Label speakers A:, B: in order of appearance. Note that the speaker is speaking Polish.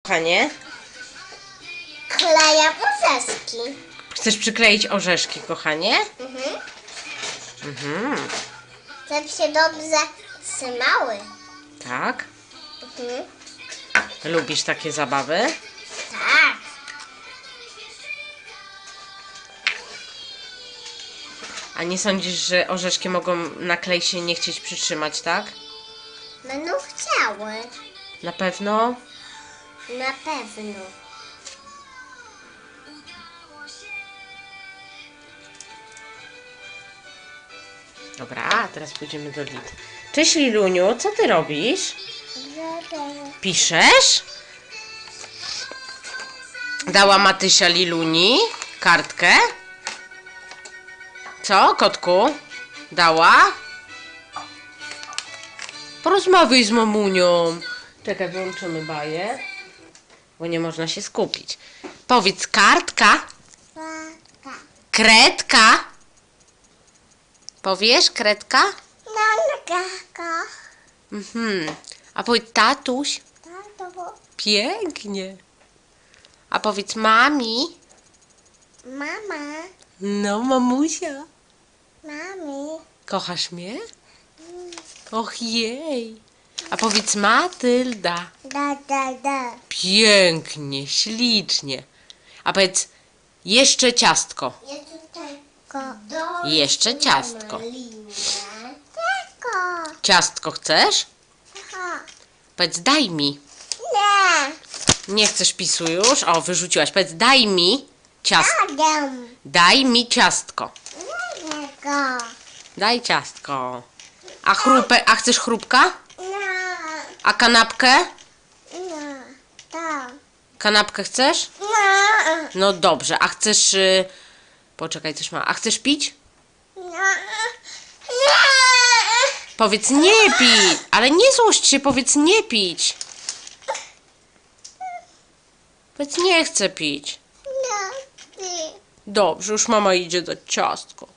A: Kochanie,
B: Kleję orzeszki.
A: chcesz przykleić orzeszki, kochanie?
B: Żeby się dobrze trzymały.
A: Tak.
B: Mhm.
A: Lubisz takie zabawy?
B: Tak.
A: A nie sądzisz, że orzeszki mogą na klej się nie chcieć przytrzymać, tak?
B: Będą chciały.
A: Na pewno?
B: Na pewno.
A: Dobra, a teraz pójdziemy do Lid. Cześć Liluniu, co ty robisz? Piszesz? Dała Matysia Liluni kartkę. Co, kotku? Dała? Porozmawiaj z mamunią. Czekaj, wyłączymy baję, bo nie można się skupić. Powiedz kartka, kredka. Powiesz kredka? A powiedz tatuś. Pięknie. A powiedz mami.
B: Mama.
A: No, mamusia.
B: Mami.
A: Kochasz mnie? Och jej. A powiedz Matylda.
B: Da.
A: Pięknie, ślicznie. A powiedz jeszcze ciastko.
B: Ja tutaj
A: Jeszcze ciastko.
B: Ciastko.
A: Ciastko chcesz? Powiedz daj mi.
B: Nie.
A: Nie chcesz pisu już? O, wyrzuciłaś. Powiedz daj mi ciastko.
B: Adam.
A: Daj mi ciastko.
B: Niego.
A: Daj ciastko. A chcesz chrupka?
B: No.
A: A kanapkę?
B: No. To.
A: Kanapkę chcesz?
B: No.
A: No dobrze. A chcesz... Poczekaj, coś ma. A chcesz pić?
B: No.
A: Powiedz nie pić. Ale nie złość się, powiedz nie pić. Powiedz nie chcę pić.
B: No.
A: Dobrze, już mama idzie dać ciastko.